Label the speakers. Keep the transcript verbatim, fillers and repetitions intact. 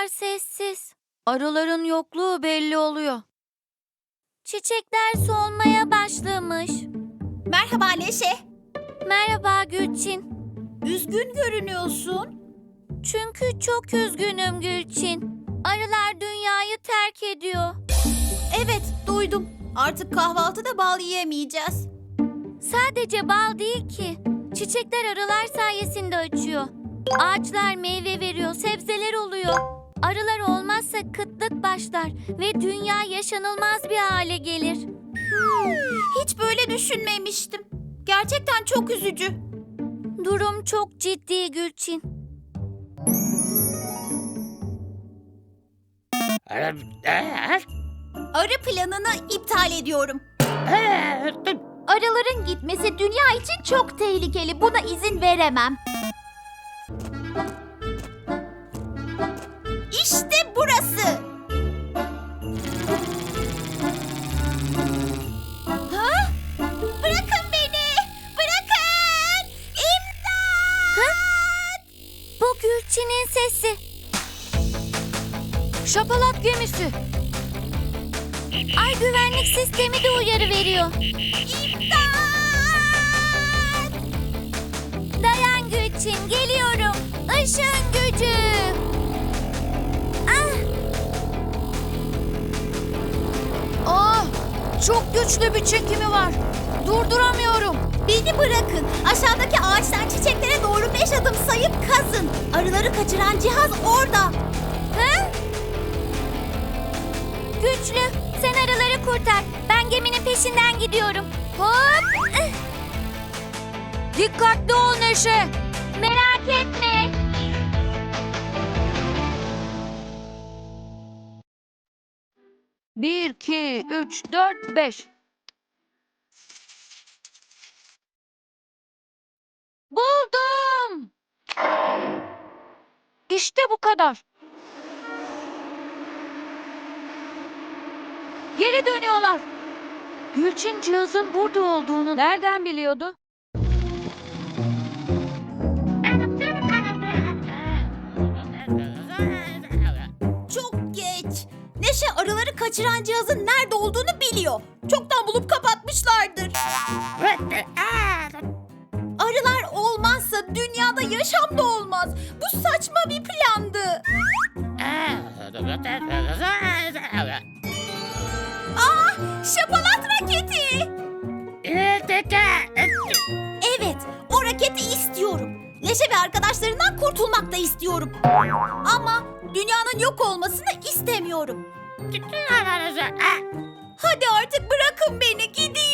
Speaker 1: sessiz. Arıların yokluğu belli oluyor. Çiçekler solmaya başlamış.
Speaker 2: Merhaba Neşe.
Speaker 1: Merhaba Gülçin.
Speaker 2: Üzgün görünüyorsun.
Speaker 1: Çünkü çok üzgünüm Gülçin. Arılar dünyayı terk ediyor.
Speaker 2: Evet, duydum. Artık kahvaltıda bal yiyemeyeceğiz.
Speaker 1: Sadece bal değil ki. Çiçekler arılar sayesinde açıyor. Ağaçlar meyve veriyor, sebzeler oluyor. Arılar olmazsa kıtlık başlar ve dünya yaşanılmaz bir hale gelir.
Speaker 2: Hmm, hiç böyle düşünmemiştim. Gerçekten çok üzücü.
Speaker 1: Durum çok ciddi Gülçin.
Speaker 2: Arı planını iptal ediyorum. Arıların gitmesi dünya için çok tehlikeli. Buna izin veremem. İşte burası. Ha? Bırakın beni. Bırakın. İmdat.
Speaker 1: Ha? Bu Gülçin'in sesi. Şapalat gemisi. Ay güvenlik sistemi de uyarı veriyor.
Speaker 2: İmdat.
Speaker 1: Dayan Gülçin, geliyorum. Işığın gücü. Ah! Ah! Çok güçlü bir çekimi var. Durduramıyorum.
Speaker 2: Beni bırakın. Aşağıdaki ağaçtan çiçeklere doğru beş adım sayıp kazın. Arıları kaçıran cihaz orada.
Speaker 1: Ha? Güçlü, sen arıları kurtar. Ben geminin peşinden gidiyorum. Hop! Ah! Dikkatli ol Neşe. Merak etme. Bir, iki, üç, dört, beş. Buldum. İşte bu kadar. Geri dönüyorlar. Gülçin cihazın burada olduğunu nereden biliyordu?
Speaker 2: Çok geç. Neşe arıları kaçıran cihazın nerede olduğunu biliyor. Çoktan bulup kapatmışlardır. Arılar olmazsa dünyada yaşam da olmaz. Bu saçma bir plandı. Aa, şapalat raketi. Evet, o raketi istiyorum. Neşe ve arkadaşlarından kurtulmak da istiyorum. Ama dünyanın yok olmasını istemiyorum. Hadi artık bırakın beni, gideyim.